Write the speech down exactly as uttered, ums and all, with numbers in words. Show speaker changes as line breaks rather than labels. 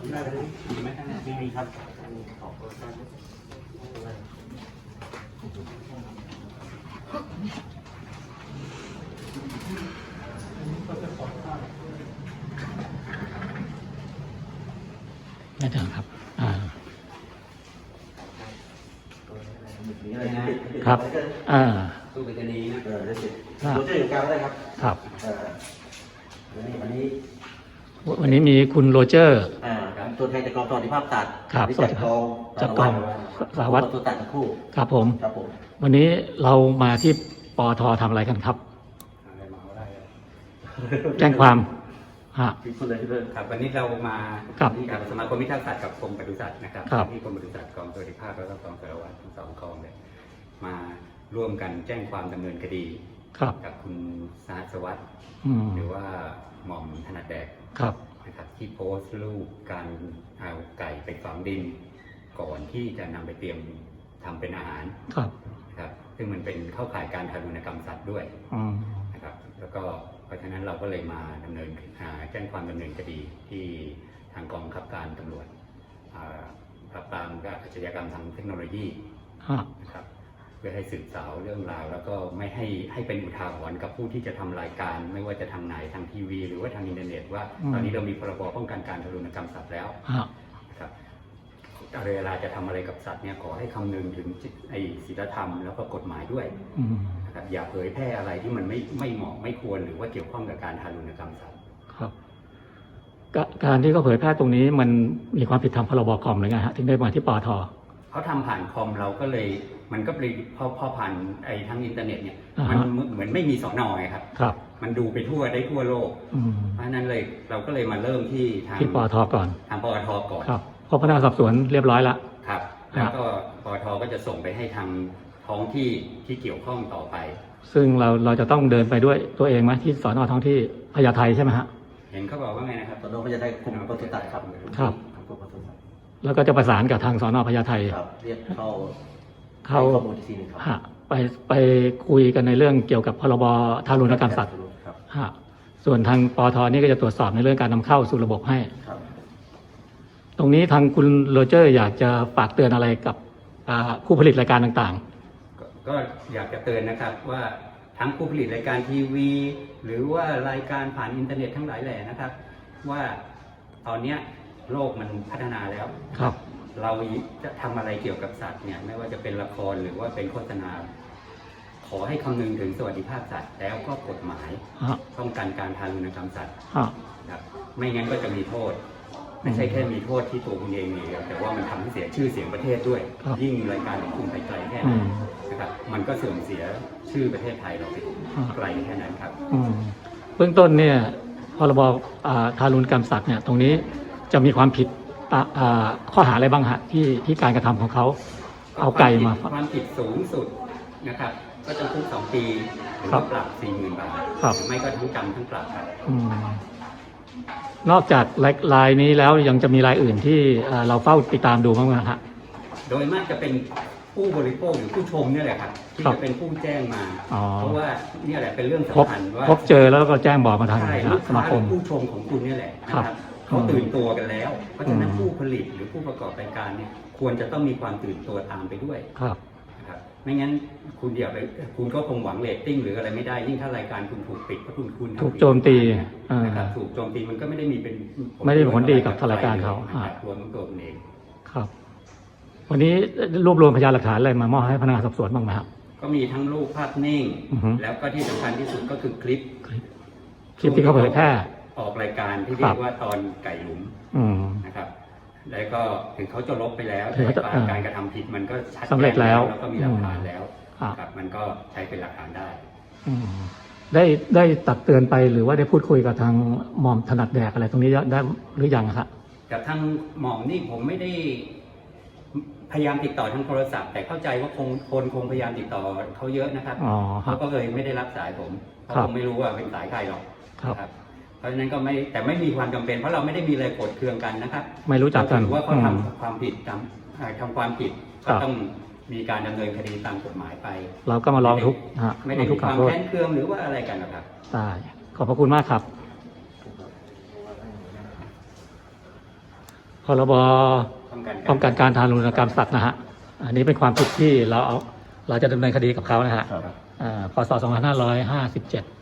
ได้เลยมีไหมไม่มีครับ
ได้ถึงครับอ่าครับอ่า
ตู้ไปรษณีย์นะเออได้สิ
ครับ
โรเจอร์อยู่กลางได้ครับ
ครับ
เออวันนี้วันนี้
วันนี้มีคุณโรเจอร์
อ่าครับตัวแทนจากกองสวัสดิภาพสัตว์
ครับ
จากกอง
จากกองสารวัตร
ตัวตัดทั้งคู่
ครับผม
ครับผม
วันนี้เรามาที่ปอททำอะไรกันครับแจ้งความฮะ
ที่พูดเลยที่เรื่อง
ครับวันนี้เรามา
ครับ
ที่กับสมาคมพิทักษ์สัตว์กับกรมปศุสัตว์นะครับ
ครับ
ที่กรมปศุสัตว์กองสวัสดิภาพแล้วก็กองสารวัตรทั้งสองกองเลยมาร่วมกันแจ้งความดำเนินคดี
ครับ
กับคุณสหัสวัสดิ์
อืม
หรือว่าหม่อมถนัดแดก
ครับ
นะครับที่โพสต์รูปการเอาไก่ไปฝังดิน ก่อนที่จะนำไปเตรียมทำเป็นอาหาร
ครับ
นะครับซึ่งมันเป็นเข้าข่ายการทารุณกรรมสัตว์ด้วย
อืม
นะครับแล้วก็เพราะฉะนั้นเราก็เลยมาดำเนินแจ้งความดำเนินคดีที่ทางกองบังคับการตำรวจปราบปรามอาชญากรรมทางเทคโนโลยี
ฮะ
นะครับเพื่อให้สืบสาวเรื่องราวแล้วก็ไม่ให้ให้เป็นอุทาหรณ์กับผู้ที่จะทำรายการ ไม่ว่าจะทางไหนทางทีวี หรือว่าทางอินเทอร์เน็ตว่าตอนนี้เรามีพรบป้องกันการทารุณกรรมสัตว์แล้ว
ฮะ
นะครับเวลาจะทำอะไรกับสัตว์เนี่ยขอให้คำนึงถึงไอ้ศีลธรรมแล้วก็กฎหมายด้วย
อืม
นะครับอย่าเผยแพร่อะไรที่มันไม่ไม่เหมาะไม่ควรหรือว่าเกี่ยวข้องกับการทารุณกรรมสัตว์
ครับกการที่เขาเผยแพร่ตรงนี้มันมีความผิดทางพรบคอมหรือไงฮะถึงได้มาที่ปอท
เขาทำผ่านคอมเราก็เลยมันก็เลยพอพอผ่านไอ้ทั้งอินเทอร์เน็ตเนี่ย
อ่าฮะ
มันเหมือนไม่มีสอนอไงครับ
ครับ
มันดูไปทั่วได้ทั่วโลก
อืม
เพราะฉะนั้นเลยเราก็เลยมาเริ่มที่ทาง
ที่ปอทก่อน
ทางปอทก่อน
ครับเพราะพนักงานสอบสวนเรียบร้อยละ
ครับแล้วก็ปอทก็จะส่งไปให้ทางท้องที่ที่เกี่ยวข้องต่อไป
ซึ่งเราเราจะต้องเดินไปด้วยตัวเองไหมที่สอนอท้องที่พญาไทใช่ไหมฮะ
เห็นเขาบอกว่าไงนะครับ
ตอนนู้นก็จะได้คุมปศุสัตว์ครับ
ครับ
คุมปศุสัตว์
แล้วก็จะประสานกับทางสอนอพญาไท
ครับเรียกเข้า
เข้า
ให้ข้อมูลอีกทีหนึงครับ
ฮะไปไปคุยกันในเรื่องเกี่ยวกับพรบทารุณกรรมสัตว์
ครับ
ฮะส่วนทางปอทนี่ก็จะตรวจสอบในเรื่องการนำเข้าสู่ระบบให้
ครับ
ตรงนี้ทางคุณโรเจอร์อยากจะฝากเตือนอะไรกับอ่าผู้ผลิตรายการต่าง
ก็ก็อยากจะเตือนนะครับว่าทั้งผู้ผลิตรายการทีวี หรือว่ารายการผ่านอินเทอร์เน็ตทั้งหลายแหล่นะครับ ว่าตอนเนี้ยโลกมันพัฒนาแล้ว
ๆ ครับ
เราจะทำอะไรเกี่ยวกับสัตว์เนี่ยไม่ว่าจะเป็นละครหรือว่าเป็นโฆษณา ขอให้คำนึงถึงสวัสดิภาพสัตว์แล้วก็กฎหมาย
ฮะ
ป้องกันการทารุณกรรมสัตว์
ฮะ
นะครับไม่งั้นก็จะมีโทษ ไม่ใช่แค่มีโทษที่ตัวคุณเองอย่างเดียวแต่ว่ามันทำให้เสียชื่อเสียงประเทศด้วย
ครับ
ยิ่งรายการของคุณไปไกลแค่ไห
อื
น
ม
นะครับมันก็เสื่อมเสียชื่อประเทศไทยเราไป
อ่า
ไกลแค่นั้นครับ
อืมเบื้องต้นเนี่ยพรบอ่าทารุณกรรมสัตว์เนี่ยตรงนี้จะมีความผิดตาอ่าข้อหาอะไรบ้างฮะที่ที่การกระทำของเขาเอาไก่มา
ความผิดสูงสุดนะครับ ก็จำคุกสองปีหรือ
ครั
ว่า
บ
ปรับสี่หมื่นบาท
ครับ
หรือไม่ก็ทั้งจำทั้งปรับครับ
อืมนอกจากรายรายนี้แล้วยังจะมีรายอื่นที่เอ่อเราเฝ้าติดตามดูบ้างไหมฮะ
โดยมากจะเป็นผู้บริโภคหรือผู้ชมเนี่ยแหละครับที่
ครับ
จะเป็นผู้แจ้งมา
อ๋อ
เพราะว่าเนี่ยแหละเป็นเรื่อง
พบ
สำคัญว่า
พบเจอแล้วก็แจ้งบอกมาทาง
ใช่
นะ
ลูก
ส
ค้า
มา
ห
ค
รือ
ม
ผู้ชมของคุณเนี่ยแหละนะ
ครั
ครับ
บ
เขาตื่นตัวกันแล้ว เพราะฉะนั้น
อืม
ผู้ผลิตหรือผู้ประกอบรายการเนี่ยควรจะต้องมีความตื่นตัวตามไปด้วย
ครับ
นะครับไม่งั้นคุณเดี๋ยวไปคุณก็คงหวังเรตติ้งหรืออะไรไม่ได้ยิ่งถ้ารายการคุณถูกปิดเพราะคุณคุณทำ
ถูกโจมตี
ผิดนะครับ
อ่า
ถูกโจมตีมันก็ไม่ได้มีเป็น
ไม่ได้มีผลดีกับรายการเขา
นะครับรวมทั้งตัวคุณเอง
ครับ วันนี้รวบรวมพยานหลักฐานอะไรมามอบให้พนักงานสอบสวนบ้างไหมครับ
ก็มีทั้งรูปภาพนิ่ง
อือฮึ
แล้วก็ที่สำคัญที่สุดก็คือคลิป
คลิปคลิปที่เขาเผยแพร่
ออกรายการที่
ค
เรี
รั
ย
บ
กว่าตอนไก่หลุม
อืม
นะครับ แล้วก็ถึงเขาจะลบไปแล้ว
ถึง
แต่
เขาจะ
การการกระทำผิดมันก็ชัด
สำเร็จแล้ว
แล้วก็มีหลักฐานแล้ว
อ่า
ครับมันก็ใช้เป็นหลักฐานได้
อืมได้ได้ตักเตือนไปหรือว่าได้พูดคุยกับทางหม่อมถนัดแดกอะไรตรงนี้ได้หรือยังครับ
กับทางหม่อมนี่ผมไม่ได้พยายามติดต่อทางโทรศัพท์ แต่เข้าใจว่าคงคนคงพยายามติดต่อเขาเยอะนะครับ
อ๋อครั
เขา
บ
ก็เลยไม่ได้รับสายผมเพราะ
ครับ
ผมไม่รู้ว่าเป็นสายใครหรอก
ครับ
นะเพราะฉะนั้นก็ไม่แต่ไม่มีความจำเป็นเพราะเราไม่ได้มีอะไรโกรธเคืองกันนะครับ
ไม่รู้จักกัน
ถือว่าเขา
อืม
ทำความผิดทำเอ่อทำความผิด
ครั
ก็
บ
ต้องมีการดำเนินคดีตามกฎหมายไป
เราก็มาร้องทุกข์ฮะ
ไม่
ร้
ได้
องทุ
มี
กข์ก
ค
ล่าว
วาม
โทษ
แค้นเคืองหรือว่าอะไรกันนะครับ
ได้ขอบพระคุณมากครับ พพรบ
ป้องกัน
ป้องกันการทารุณกรรมสัตว์นะฮะอันนี้เป็นความผิดที่เราเอาเราจะดำเนินคดีกับเขานะฮะ
ครับ
อ่าพศสองพันห้าร้อยห้าสิบเจ็ด